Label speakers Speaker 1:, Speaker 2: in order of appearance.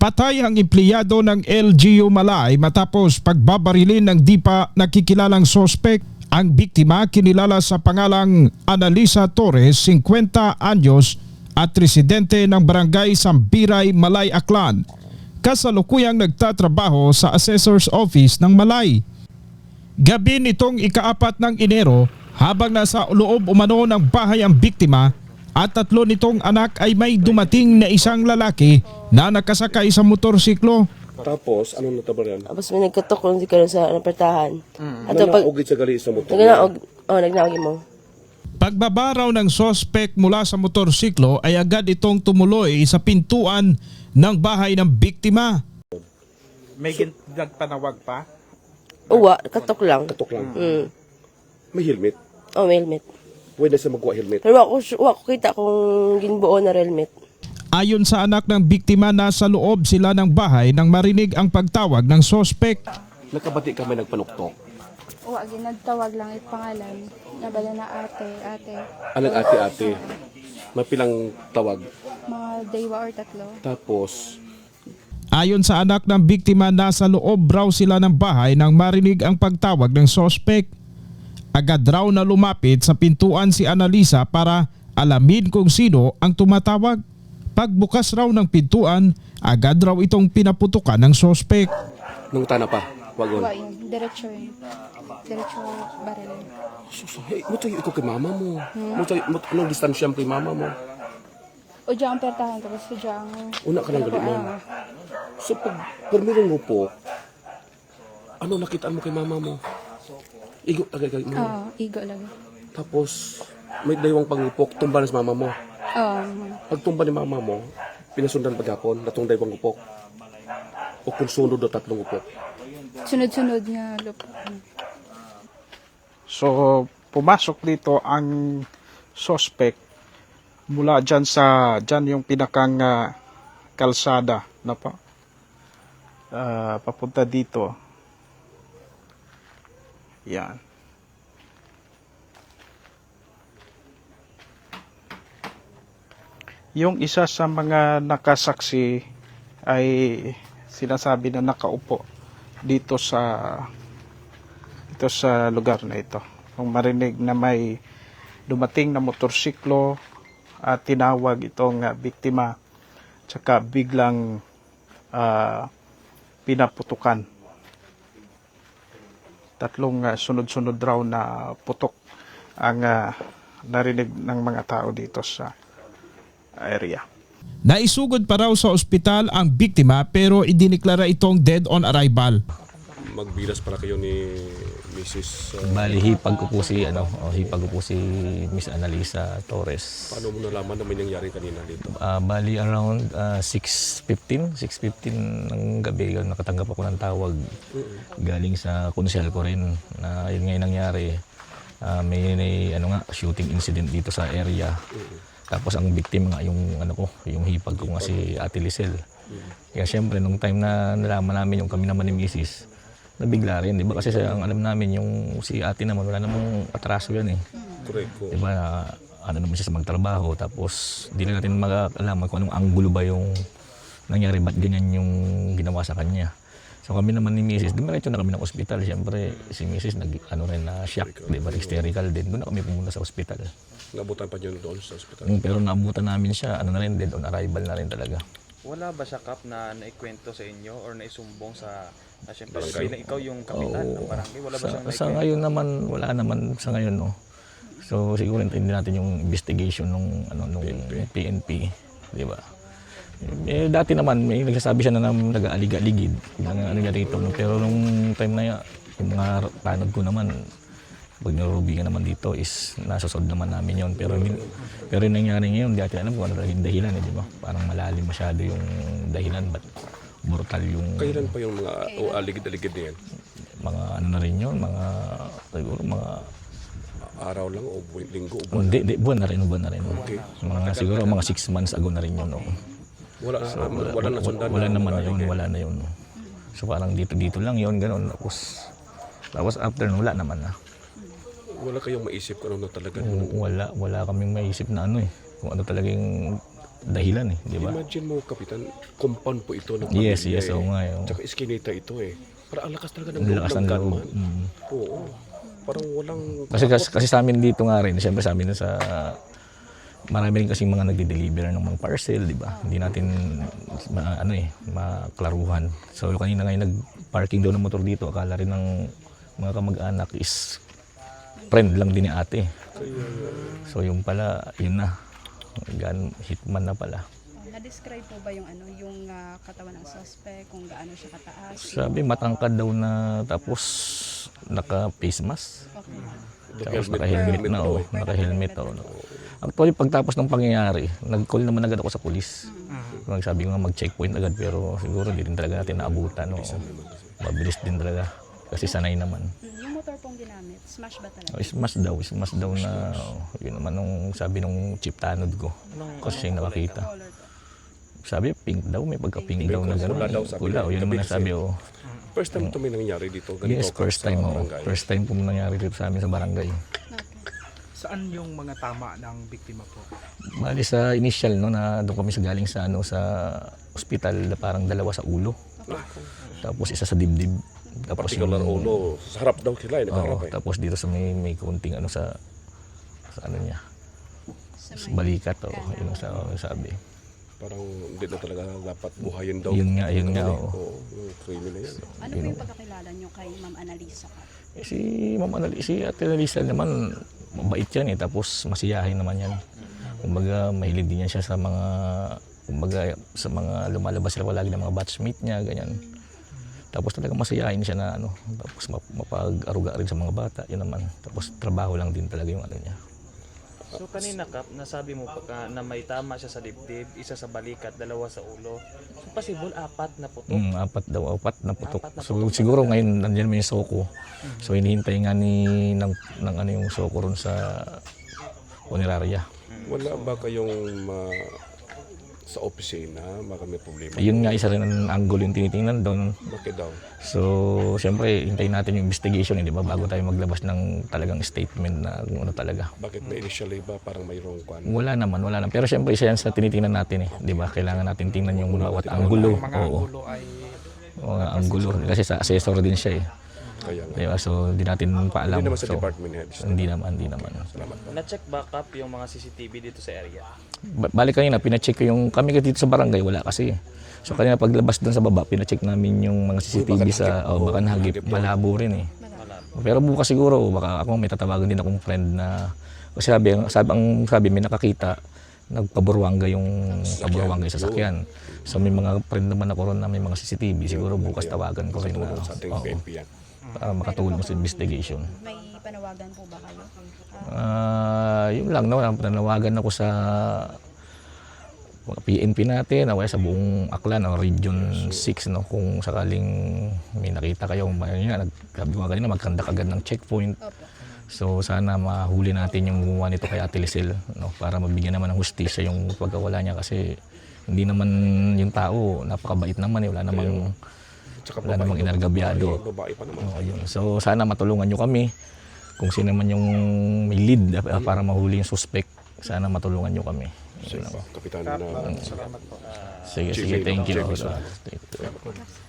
Speaker 1: Patay ang empleyado ng LGU Malay matapos pagbabarilin ng di pa nakikilalang sospek. Ang biktima kinilala sa pangalang Analisa Torres, 50 anyos at residente ng barangay Sambiray, Malay, Aklan. Kasalukuyang nagtatrabaho sa Assessor's Office ng Malay. Gabi nitong ika-4 ng Enero, habang nasa loob umano ng bahay ang biktima at 3 nitong anak ay may dumating na isang lalaki na nakasakay sa motorsiklo.
Speaker 2: Tapos, anong natabal yan?
Speaker 3: Tapos may nagkatok kung di ka sa napertahan. At
Speaker 2: Nanaugit sa gali sa motor.
Speaker 3: nagnaog mo.
Speaker 1: Pagbaba raw ng sospek mula sa motorsiklo ay agad itong tumuloy sa pintuan ng bahay ng biktima.
Speaker 4: May nagpanawag pa?
Speaker 3: Uwa, katok lang.
Speaker 2: Katok lang.
Speaker 3: Mm.
Speaker 2: May helmet.
Speaker 3: Oh, may helmet.
Speaker 2: Pwede sa magkuha helmet.
Speaker 3: Pero ako kita kung ginbuo na helmet.
Speaker 1: Ayon sa anak ng biktima, nasa loob sila ng bahay nang marinig ang pagtawag ng sospek.
Speaker 2: Nakabati kami nagpanuktok.
Speaker 5: Oo, nagtawag lang yung pangalan. Nabala na ate.
Speaker 2: Anong ate-ate? Mapilang tawag.
Speaker 5: Mga daywa or 3.
Speaker 2: Tapos,
Speaker 1: Ayon sa anak ng biktima, nasa loob raw sila ng bahay nang marinig ang pagtawag ng sospek. Agad raw na lumapit sa pintuan si Analisa para alamin kung sino ang tumatawag. Pagbukas raw ng pintuan, agad raw itong pinaputukan ng sospek.
Speaker 2: nung tana pa. Wagon.
Speaker 5: Uwa yun, diretso yun. Diretso baril.
Speaker 2: Hey, mo tayo ikaw kay mama mo. Anong distansya mo kay mama mo?
Speaker 5: O dyan ang pertahan, tapos o dyan ang...
Speaker 2: Una ka lang galit mo. So pag permirong mo po, ano nakitaan mo kay mama mo? Igo tagay mo.
Speaker 5: Oo, igo lagi.
Speaker 2: Tapos may daywang pangupok, tumba na sa mama mo.
Speaker 5: Oo.
Speaker 2: Pag tumba ni mama mo, pinasundan paghapon, natong daywang upok. O kung sunod o 3 upok.
Speaker 5: Sunod-sunod nga lupa.
Speaker 4: So, pumasok dito ang suspect mula dyan yung pinakang kalsada na pa. Papunta dito. Yan. Yung isa sa mga nakasaksi ay sinasabi na nakaupo dito sa lugar na ito. Kung marinig na may dumating na motorsiklo at tinawag itong biktima, tsaka biglang pinaputukan. 3 sunod-sunod raw na putok ang narinig ng mga tao dito sa area.
Speaker 1: Naisugod pa raw sa ospital ang biktima pero idiniklara itong dead on arrival.
Speaker 2: Magbilas para kayo ni Mrs.
Speaker 6: Bali, hipag ko po si Miss Analisa Torres.
Speaker 2: Paano mo nalaman na may nangyari kanina dito?
Speaker 6: Bali, around 6:15 ng gabi, nakatanggap ako ng tawag galing sa konsyal ko rin na yun ngayon nangyari. May shooting incident dito sa area. Tapos ang victim nga yung hipag ko nga si Ate Lisel. Kaya syempre nung time na nalaman namin yung kami naman ni Mrs., nabigla rin, di ba? Kasi ang alam namin yung si ate naman, wala namang atraso yan eh.
Speaker 2: Correct.
Speaker 6: Di ba? Ano naman siya sa magtrabaho, tapos di na natin makakalaman kung anong anggulo ba yung nangyari, ba't ganyan yung ginawa sa kanya. So kami naman ni Mrs., dumiretso na kami ng ospital. Siyempre si Mrs. na-shock, di ba? Hysterical din. Doon na kami pumunta sa ospital.
Speaker 2: Nabutan pa niyo doon sa ospital?
Speaker 6: Pero naabutan namin siya, dead on arrival na rin talaga.
Speaker 7: Wala ba siya, Kap, na naikwento sa inyo or naisumbong sa siyempre bilang ikaw yung kapitan ng barangay? Wala ba siyang naikwento?
Speaker 6: Sa ngayon naman, wala naman sa ngayon, no. So siguro hindi natin yung investigation nung PNP, di ba? Dati naman may nagsasabi siya na nag-aalig-aligid ng niya rito, no? Pero nung time na yung mga tanod ko naman, pag narubingan naman dito is nasusod naman namin yon, pero yung nangyari ngayon, di natin alam kung ano talaga yung dahilan, di ba? Parang malalim masyado yung dahilan, but brutal yung...
Speaker 2: Kailan pa yung mga aligid-aligid na yan?
Speaker 6: Mga na rin yun, siguro mga...
Speaker 2: Araw lang o linggo o buwan?
Speaker 6: Hindi, buwan na rin.
Speaker 2: Okay.
Speaker 6: Siguro mga 6 months ago na rin yun, no?
Speaker 2: Wala na sundan.
Speaker 6: Wala na yun. So parang dito lang yun, gano'n. Tapos after wala naman na.
Speaker 2: Wala kayong maisip kung ano talaga?
Speaker 6: Wala kaming maisip na kung ano talagang dahilan eh, di ba?
Speaker 2: Imagine mo, Kapitan, compound po ito ng
Speaker 6: Yes,
Speaker 2: pamilya
Speaker 6: yes, oo nga, oo.
Speaker 2: Tsaka iskinita ito eh. Para ang lakas talaga ng
Speaker 6: Ang lakas ng loob.
Speaker 2: gunman. Oo. Parang walang...
Speaker 6: Kasi sa amin dito nga rin, siyempre sa amin sa marami rin kasing mga nagde-deliver ng mga parcel, di ba? Hindi natin maklaruhan. So kanina ngayon nag-parking daw ng motor dito, akala rin ng mga kamag-anak is friend lang din ni ate. So yung pala, yun na. Hitman na pala.
Speaker 5: Na-describe po ba yung yung katawan ng suspect, kung gaano siya kataas?
Speaker 6: Sabi matangkad daw na tapos naka-face mask.
Speaker 5: Okay.
Speaker 6: Tapos naka-helmet na naka-helmet Actually, pagtapos ng pangyayari, nag-call naman agad ako sa pulis. Sabi ko nga mag-checkpoint agad pero siguro hindi rin talaga natin naabutan. Mabilis din talaga kasi sanay naman.
Speaker 5: Yung motor pong ginamit, smash ba talaga?
Speaker 6: Smash daw na yun naman nung sabi nung chief tanod ko. Kasi siya yung nakakita.
Speaker 5: Color to.
Speaker 6: Sabi pink daw, may pagka-pink daw na
Speaker 2: Pula daw,
Speaker 6: gano'n.
Speaker 2: sabi
Speaker 6: Pula,
Speaker 2: niya.
Speaker 6: yun naman
Speaker 2: Gabi
Speaker 6: nasabi
Speaker 2: kasi.
Speaker 6: ko.
Speaker 2: First time ito may nangyari dito. Ganito
Speaker 6: Yes, first
Speaker 2: sa
Speaker 6: time.
Speaker 2: barangay.
Speaker 6: First time po nangyari dito sa amin sa barangay.
Speaker 4: Saan yung mga tama ng biktima po?
Speaker 6: Bali sa initial no na doon kami sa galing sa sa ospital na parang dalawa sa ulo. Tapos isa sa dibdib. Tapos
Speaker 2: Particular ulo. Sa harap daw sila. Nakaharap eh.
Speaker 6: tapos dito sa may konting sa niya. Sa balikat yun ang sabi.
Speaker 2: Parang hindi na talaga dapat buhayin daw.
Speaker 6: Yun nga.
Speaker 2: Oo, yung criminal yan.
Speaker 5: Ano po yung pagkakilala nyo kay Ma'am Annalisa Cap?
Speaker 6: Si Ma'am Annalisa, si Ate Annalisa naman mabait yan tapos masiyahin naman yan. Kumbaga mahilig din yan siya sa mga lumalabas sila palagi ng mga batchmate niya, ganyan. Tapos talaga masayahin siya na tapos mapag-aruga rin sa mga bata, yun naman. Tapos trabaho lang din talaga yung niya.
Speaker 7: So kanina Kap, nasabi mo pa na may tama siya sa dibdib, isa sa balikat, dalawa sa ulo. So possible apat na putok.
Speaker 6: Apat na putok. So siguro ngayon nandiyan may soko. So hinihintay nga ng yung soko ron sa punerarya.
Speaker 2: Wala ba kayong sa opisina, baka may problema?
Speaker 6: Yun nga isa rin ang angle yung tinitingnan doon.
Speaker 2: Bakit daw?
Speaker 6: So siyempre hintayin natin yung investigation, di ba, bago tayo maglabas ng talagang statement na kung ano talaga.
Speaker 2: Bakit may initially ba parang mayroong kwan?
Speaker 6: Wala naman. Pero siyempre isa yan sa tinitingnan natin di ba? Kailangan natin tingnan yung bawat anggulo.
Speaker 4: Mga angulo ay
Speaker 6: Mga anggulo. Kasi sa assessor din siya eh.
Speaker 2: Kaya nga.
Speaker 6: Di ba? So hindi natin paalam.
Speaker 2: Hindi naman sa
Speaker 6: So,
Speaker 2: department heads.
Speaker 6: Hindi naman.
Speaker 7: Na-check ba Kap yung mga CCTV dito sa area?
Speaker 6: Balik kanina, pina-check ko yung kami dito sa barangay, wala kasi. So kanina paglabas doon sa baba, pina-check namin yung mga CCTV baka nahagip, malabo rin eh. Pero bukas siguro, baka ako may tatawagan din akong friend na, kasi sabi may nakakita, nagpaburwangga yung sasakyan. So may mga friend naman ako ron na may mga CCTV, siguro bukas tawagan ko rin na,
Speaker 2: Sa ating PNP yan.
Speaker 6: para makatulong sa investigation.
Speaker 5: May panawagan po ba kayo?
Speaker 6: Yun lang, nanawagan ako sa mga PNP natin, sa buong Aklan, Region 6, kung sakaling may nakita kayo, nagsabi ko kanina, magkandak agad ng checkpoint. So sana mahuli natin yung gumawa nito kay Ate Lisel, para mabigyan naman ng hustisya yung pagkawala niya, kasi hindi naman yung tao, napakabait naman, wala namang inargabyado.
Speaker 2: Babae pa naman.
Speaker 6: Yun. So sana matulungan nyo kami kung sino man yung may lead para mahuli yung suspect. Sana matulungan nyo kami. Yun lang.
Speaker 2: Kapitan
Speaker 4: Salamat po.
Speaker 6: Sige, thank you.